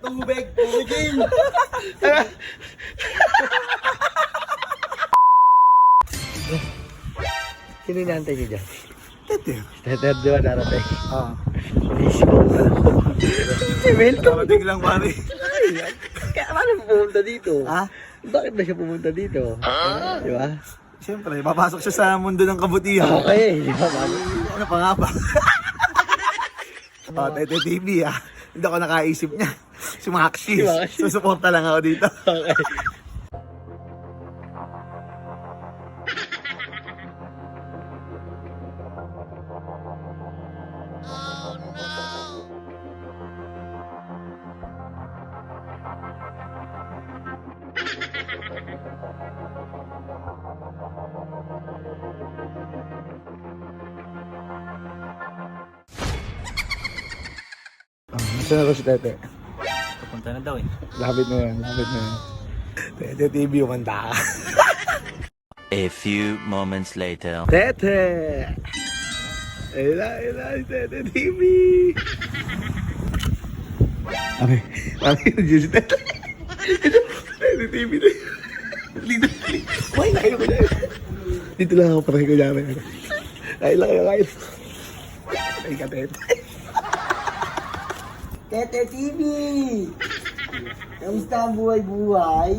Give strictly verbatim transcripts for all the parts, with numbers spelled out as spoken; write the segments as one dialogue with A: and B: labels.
A: Tubig, tubigin!
B: Sino inaantay niyo dyan?
A: Tete.
B: Tether, di ba darating?
A: Ah.
B: Busy ko pala ko. Welcome.
A: Kamating lang pare.
B: Kaya paano pumunta dito?
A: Ha?
B: Bakit ba siya pumunta dito? Ah? Di ba?
A: Siyempre, papasok siya sa mundo ng kabutihan.
B: Okay, di ba? Paano?
A: Ano pa nga ba? Oh, Tete T V ah. Hindi ako nakaisip niya. Si Maxi.
B: Si Maxi.
A: Susuporta lang ako dito.
B: Okay.
A: Saan ako si Tete?
C: Papunta na daw eh.
A: Lapit mo yan, lapit mo yan. Tete T V, umanda ka.
D: A few moments later.
A: Tete! Ayun na, ayun na, si Tete T V! Okay, okay, nandiyan si Tete. Ito, Tete T V na yun. Dito, dito. Kumain na kayo, kumain. Dito lang ako, parang ko dyan. Kain lang kayo, kain. Ay ka, Tete.
B: Tete T V! Kamusta ang buhay-buhay?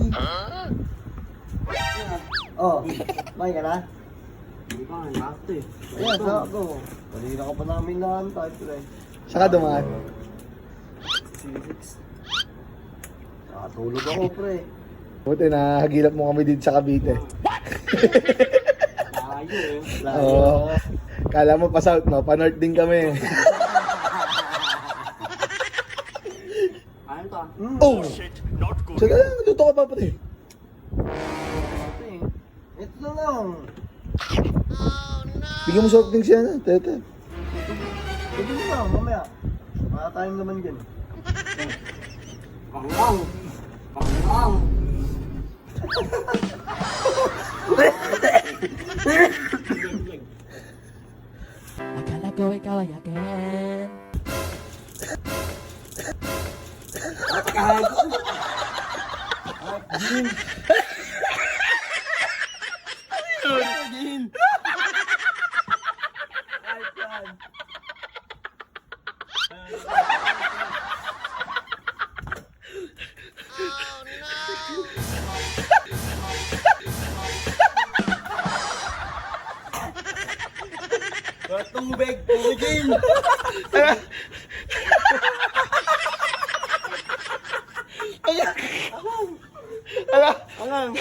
B: Oh, may ka na?
C: Hindi pa, nakakto eh.
B: Ayan, sa ako. Kanina ka pa namin naantay, pre.
A: Saka dumaan.
B: Nakatulog ako, pre.
A: Buti na, hagilap mo kami dito sa Cavite.
C: Layo eh.
A: Oo. Kala mo pa south, no? Pa north din kami.
C: Ano to?
A: Oh! Sige lang, natuto ka pa pati.
B: Pre, ito na lang.
A: Bigyan mo soft drinks yan, ah, Tete.
B: Ito na lang, mamaya. Para tayong naman dyan.
C: Pangang! Pangang!
E: Akala ko ikaw ay akin.
A: Tubig, tubigin! Ala!
B: Angang!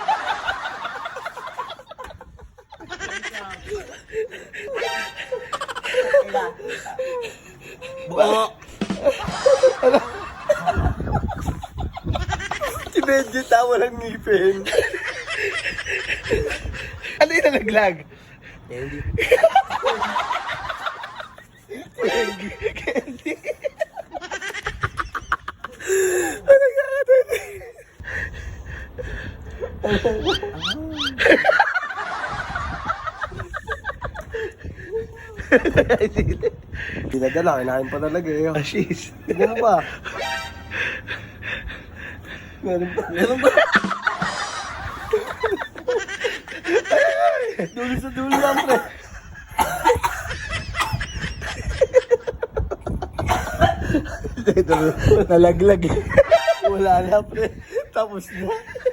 A: Buo!
B: Si Benji tawa lang ngipin.
A: Ano yung nalaglag?
B: Benji.
A: Candy! Ano nga ka, Tete?
B: Pinadala, kinain pa talaga eh.
A: Ashis.
B: Tignan mo ba? Meron pa. Meron pa. Dulo sa dulo lang, pre.
A: Ito, nalaglag.
B: Wala na, pre. Tapos na.